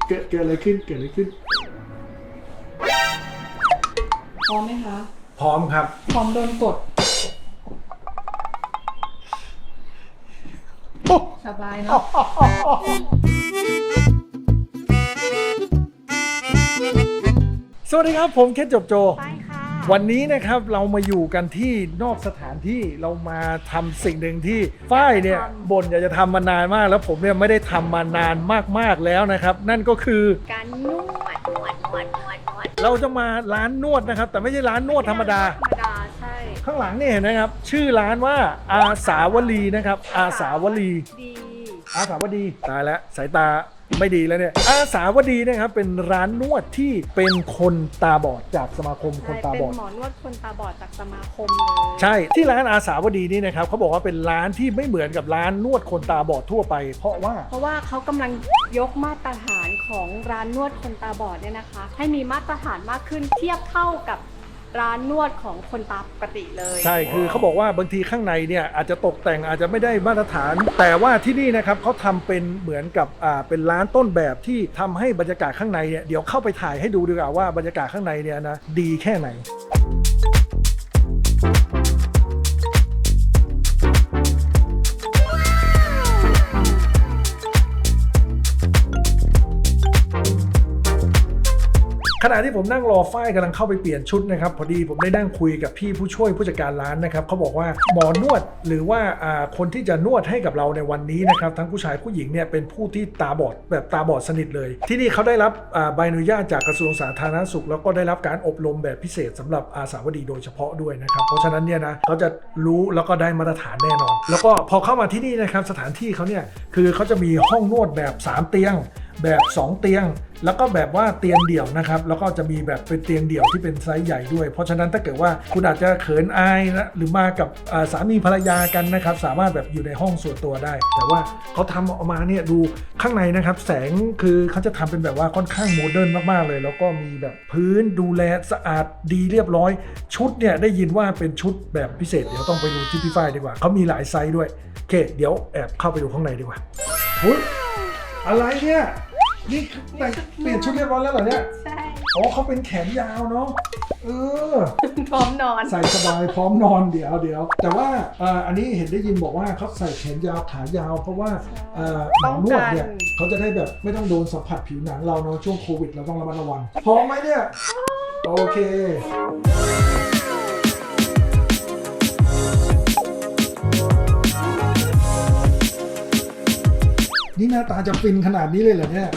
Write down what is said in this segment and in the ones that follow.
เกิดอะไรขึ้นพร้อมไหมคะพร้อมครับพร้อมโดนกดสบายเนาะสวัสดีครับผมเคสจบโจไปค่ะวันนี้นะครับเรามาอยู่กันที่นอกสถานที่เรามาทำสิ่งหนึ่งที่ฝ้ายเนี่ยบ่นอยากจะทำมานานมากแล้วผมเนี่ยไม่ได้ทำมานานมากๆแล้วนะครับนั่นก็คือการนวดเราจะมาร้านนวดนะครับแต่ไม่ใช่ร้านนวดธรรมดาใช่ข้างหลังนี่เห็นไหมครับชื่อร้านว่าอาสาวลีนะครับอาสาวลีอาสาวดีตายแล้วสายตาไม่ดีแล้วเนี่ยอาสาวดีนะครับเป็นร้านนวดที่เป็นคนตาบอดจากสมาคมคนตาบอดเป็นหมอนวดคนตาบอดจากสมาคมเลยใช่ที่ร้านอาสาวดีนี่นะครับเขาบอกว่าเป็นร้านที่ไม่เหมือนกับร้านนวดคนตาบอดทั่วไปเพราะว่าเขากำลังยกมาตรฐานของร้านนวดคนตาบอดเนี่ยนะคะให้มีมาตรฐานมากขึ้นเทียบเท่ากับร้านนวดของคนตาปกติเลยใช่คือเขาบอกว่าบางทีข้างในเนี่ยอาจจะตกแต่งอาจจะไม่ได้มาตรฐานแต่ว่าที่นี่นะครับเขาทำเป็นเหมือนกับเป็นร้านต้นแบบที่ทำให้บรรยากาศข้างในเนี่ยเดี๋ยวเข้าไปถ่ายให้ดูดีกว่าว่าบรรยากาศข้างในเนี่ยนะดีแค่ไหนขณะที่ผมนั่งรอฝ้ายกำลังเข้าไปเปลี่ยนชุดนะครับพอดีผมได้นั่งคุยกับพี่ผู้ช่วยผู้จัดการร้านนะครับเขาบอกว่าหมอนวดหรือว่าคนที่จะนวดให้กับเราในวันนี้นะครับทั้งผู้ชายผู้หญิงเนี่ยเป็นผู้ที่ตาบอดแบบตาบอดสนิทเลยที่นี่เขาได้รับใบอนุญาตจากกระทรวงสาธารณสุขแล้วก็ได้รับการอบรมแบบพิเศษสำหรับอาสาวดีโดยเฉพาะด้วยนะครับเพราะฉะนั้นเนี่ยนะเขาจะรู้แล้วก็ได้มาตรฐานแน่นอนแล้วก็พอเข้ามาที่นี่นะครับสถานที่เขาเนี่ยคือเขาจะมีห้องนวดแบบ3เตียงแบบ2เตียงแล้วก็แบบว่าเตียงเดี่ยวนะครับแล้วก็จะมีแบบเป็นเตียงเดี่ยวที่เป็นไซส์ใหญ่ด้วยเพราะฉะนั้นถ้าเกิดว่าคุณอาจจะเขินอายนะหรือมากับสามีภรรยากันนะครับสามารถแบบอยู่ในห้องส่วนตัวได้แต่ว่าเขาทำออกมาเนี่ยดูข้างในนะครับแสงคือเขาจะทำเป็นแบบว่าค่อนข้างโมเดิร์นมากๆเลยแล้วก็มีแบบพื้นดูแลสะอาดดีเรียบร้อยชุดเนี่ยได้ยินว่าเป็นชุดแบบพิเศษเดี๋ยวต้องไปดูที่พี่ฝ้ายดีกว่าเขามีหลายไซส์ด้วยโอเคเดี๋ยวแอบเข้าไปดูข้างในดีกว่าหุ้ยอะไรเนี่ยนี่แต่งเปลี่ยนชุดเรียบร้อยแล้วเหรอเนี่ยใช่อ๋อเขาเป็นแขนยาวเนาะพร้อมนอนใส่สบายพร้อมนอนเดี๋ยวแต่ว่าอันนี้เห็นได้ยินบอกว่าเขาใส่แขนยาวขายาวเพราะว่าหมอนวดเนี่ยเขาจะได้แบบไม่ต้องโดนสัมผัสผิวหนังเราเนาะช่วงโควิดเราต้องระมัดระวังพร้อมไหมเนี่ยโอเคนี่หน้าตาจะฟินขนาดนี้เลยเหรอเนี่ย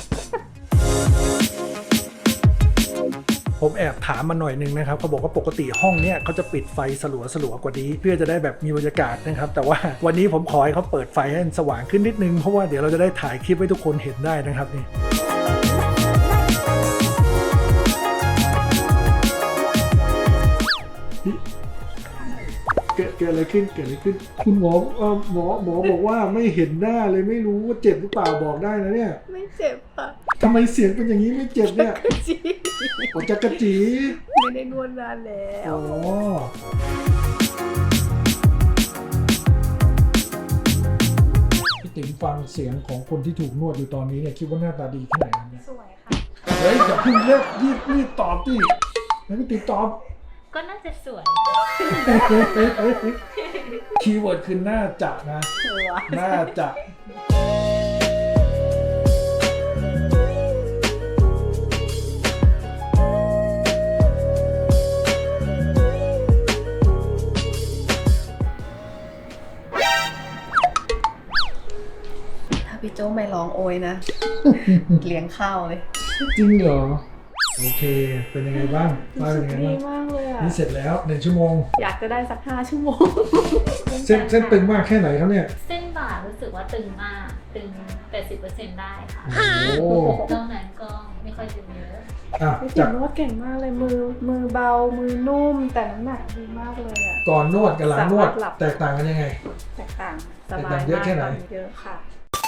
ผมแอบถามมาหน่อยนึงนะครับเขาบอกว่าปกติห้องเนี้ยเขาจะปิดไฟสลัวกว่านี้เพื่อจะได้แบบมีบรรยากาศนะครับแต่ว่าวันนี้ผมขอให้เขาเปิดไฟให้สว่างขึ้นนิดนึงเพราะว่าเดี๋ยวเราจะได้ถ่ายคลิปให้ทุกคนเห็นได้นะครับนี่เกิดอะไรขึ้นคุณหมอบอกว่าไม่เห็นหน้าเลยไม่รู้ว่าเจ็บหรือเปล่าบอกได้นะเนี่ยไม่เจ็บค่ะทำไมเสียงเป็นอย่างนี้ไม่เจ็บเนี่ยจักรจีไม่ได้นวดนานแล้วอ๋อพี่ติ๋มฟังเสียงของคนที่ถูกนวดอยู่ตอนนี้เนี่ยคิดว่าหน้าตาดีแค่ไหนเนี่ยสวยค่ะเฮ้ยอย่าพึ่งเลิกรีบตอบดิแล้วพี่ติ๋มตอบก็น่าจะสวยคีย์เวิร์ดคือน่าจะนะน่าจะถ้าพี่โจ้ไม่ร้องโอยนะ เลี้ยงข้าวเลยจริงเหรอโอเคเป็นยังไงบ้างเป็นยังไงบ้างดีมากเลยอ่ะนี่เสร็จแล้ว1 ชั่วโมงอยากจะได้สัก5 ชั่วโมงเส้นตึงมากแค่ไหนครับเนี่ยเส้นบ่ารู้สึกว่าตึงมากตึง 80% ได้ค่ะโอ้นอกนั้นก็ไม่ค่อยตึงเยอะพี่ติ๋มนวดเก่งมากเลยมือเบามือนุ่มแต่น้ำหนักดีมากเลยอ่ะก่อนนวดกับหลังนวดแตกต่างกันยังไงแตกต่างสบายมากเยอะค่ะ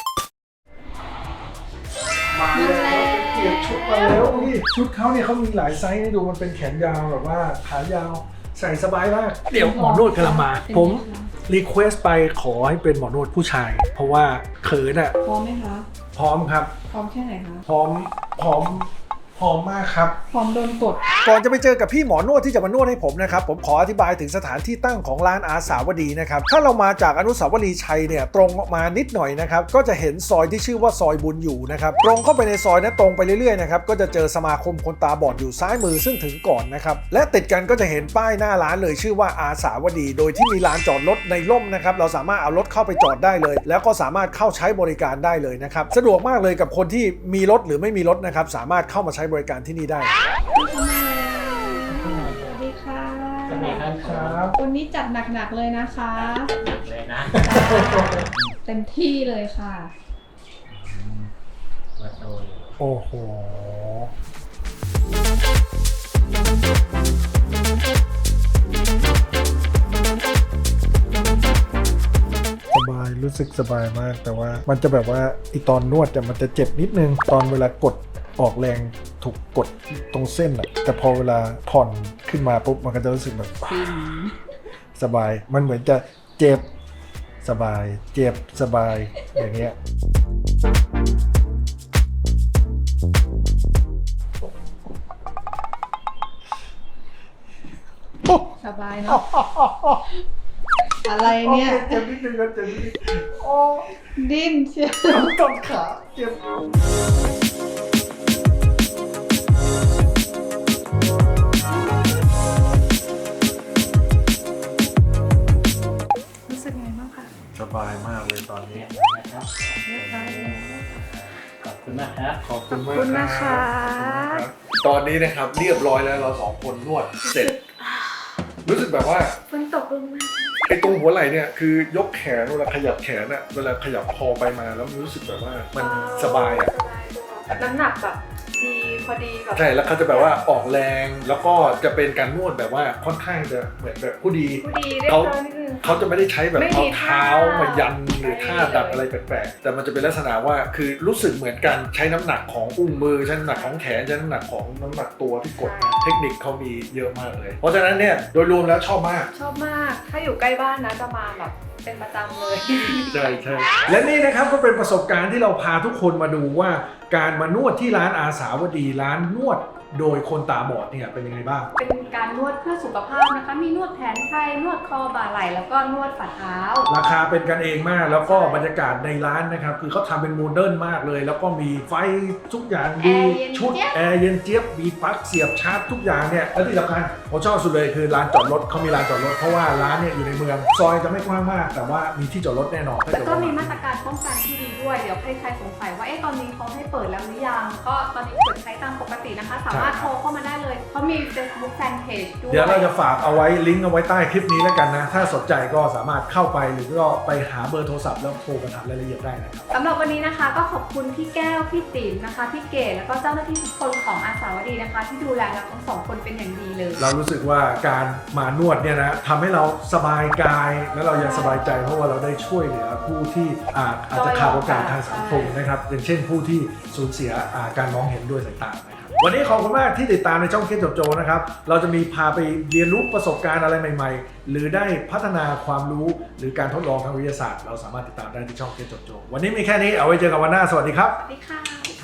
มาแล้วเปลี่ยนชุดมาแล้วนี่ชุดเขาเนี่ยเขามีหลายไซส์ให้ดูมันเป็นแขนยาวแบบว่าขายาวใส่สบายมากเดี๋ยวหมอนวดกำลังมาผมรีเควสไปขอให้เป็นหมอนวดผู้ชายเพราะว่าเขินอ่ะพร้อมไหมคะพร้อมครับพร้อมแค่ไหนคะพร้อมมากครับพร้อมโดนกดก่อนจะไปเจอกับพี่หมอนวดที่จะมานวดให้ผมนะครับผมขออธิบายถึงสถานที่ตั้งของร้านอาสาวดีนะครับถ้าเรามาจากอนุสาวรีย์ชัยเนี่ยตรงออกมานิดหน่อยนะครับก็จะเห็นซอยที่ชื่อว่าซอยบุญอยู่นะครับตรงเข้าไปในซอยนั้นตรงไปเรื่อยๆนะครับก็จะเจอสมาคมคนตาบอดอยู่ซ้ายมือซึ่งถึงก่อนนะครับและติดกันก็จะเห็นป้ายหน้าร้านเลยชื่อว่าอาสาวดีโดยที่มีลานจอดรถในร่มนะครับเราสามารถเอารถเข้าไปจอดได้เลยแล้วก็สามารถเข้าใช้บริการได้เลยนะครับสะดวกมากเลยกับคนที่มีรถหรือไม่มีรถนะครับสามารถเข้ามาใช้บริการที่นี่ได้สวัสดีค่ะสวัสดีครับวันนี้จัดหนักๆเลยนะคะหนักเลยนะเต็มที่เลยค่ะมาโตยโอ้โหสบายรู้สึกสบายมากแต่ว่ามันจะแบบว่าอีตอนนวดแต่มันจะเจ็บนิดนึงตอนเวลากดออกแรงถูกกดตรงเส้นอะแต่พอเวลาผ่อนขึ้นมาปุ๊บมันก็จะรู้สึกแบบสบายมันเหมือนจะเจ็บสบายเจ็บสบายอย่างเงี้ยสบายเนาะ อะไรเนี่ยเจ็บนิดนึงนะเจ็บนิดนึงโอ้ดิ้นเชียวกำขาเจ็บรู้สึกไงบ้างคะสบายมากเลยตอนนี้นะครับเรียบร้อยแล้วขอบคุณมากครับขอบคุณมากขอบคุณนะคะรับตอนนี้นะครับเรียบร้อยแล้วเราสองคนนวดเสร็จ รู้สึกแบบว่าฝนตกลงมาไอ้ตรงหัวไหล่เนี่ยคือยกแขนเวลาขยับแขนอะเวลาขยับคอไปมาแล้วมันรู้สึกแบบว่ามันสบายอะน้ำหนักแบบดีพอดีแบบใช่แล้วเขาจะแบบว่าออกแรงแล้วก็จะเป็นการนวดแบบว่าค่อนข้างจะเหมือนแบบผู้ดีพอดีเรียบเขาร้อยนิดนึงเขาจะไม่ได้ใช้แบบไม่เอามีเท้าท่ามายันหรือท่าดัดอะไรแปลกๆแต่มันจะเป็นลักษณะว่าคือรู้สึกเหมือนกันใช้น้ำหนักของอุ้งมือใช้น้ำหนักของแขนใช้น้ำหนักของน้ำหนักตัวที่กดเทคนิคเขามีเยอะมากเลย เพราะฉะนั้นเนี่ยโดยรวมแล้วชอบมากชอบมาก ถ้าอยู่ใกล้บ้านนะจะมาแบบเป็นประจำเลยใช่ใช่และนี่นะครับก็เป็นประสบการณ์ที่เราพาทุกคนมาดูว่าการมานวดที่ร้านอาสาวดีร้านนวดโดยคนตาบอดเนี่ยเป็นยังไงบ้างเป็นการนวดเพื่อสุขภาพนะคะ มีนวดแผนไทย นวดคอบ่าไหล่ แล้วก็นวดฝ่าเท้าราคาเป็นกันเองมากแล้วก็บรรยากาศในร้านนะครับคือเขาทำเป็นโมเดิร์นมากเลย แล้วก็มีไฟทุกอย่างดีแอร์เย็นชุดเจี๊ยบแอร์เย็นเจี๊ยบมีปลั๊กเสียบชาร์จทุกอย่างเนี่ยและที่สำคัญผมชอบสุดเลยคือร้านจอดรถเขามีร้านจอดรถเพราะว่าร้านเนี่ยอยู่ในเมืองซอยจะไม่กว้างมาก แต่ว่ามีที่จอดรถแน่นอนถ้าแล้วเกิดก็ว่ามีมาตรการป้องกันที่ดีด้วย เดี๋ยวใครๆสงสัยว่า ตอนนี้เขาให้เปิดแล้วหรือยัง ก็ตอนนี้เปิดใช้ตามปกตินะคะ สามารถโทรเข้ามาได้เลย เขามี Facebook Fanpage ด้วยเดี๋ยวเราจะฝากเอาไว้ลิงก์เอาไว้ใต้คลิปนี้แล้วกันนะถ้าสนใจก็สามารถเข้าไปหรือก็ไปหาเบอร์โทรศัพท์แล้วโทรมาถามรายละเอียดได้นะครับสำหรับวันนี้นะคะก็ขอบคุณพี่แก้ว พี่ติ๋มนะคะ พี่เกดแล้วก็เจ้าหน้าที่ทุกคนของอาสาวดีนะคะ ที่ดูแลเราทั้งสองคนเป็นอย่างดีเลยเรารู้สึกว่าการมานวดเนี่ยนะทำให้เราสบายกายและเรายังสบายใจเพราะว่าเราได้ช่วยเหลือผู้ที่อาจจะขาดโอกาสทางสังคมนะครับอย่างเช่นผู้ที่สูญเสียการมองเห็นด้วยสายตานะครับวันนี้ขอบคุณมากที่ติดตามในช่องเคสโจนะครับเราจะมีพาไปเรียนรู้ประสบการณ์อะไรใหม่ๆ หรือได้พัฒนาความรู้หรือการทดลองทางวิทยาศาสตร์เราสามารถติดตามได้ที่ช่องเคสโจวันนี้มีแค่นี้เอาไว้เจอกันวันหน้าสวัสดีครับสวัสดีค่ะ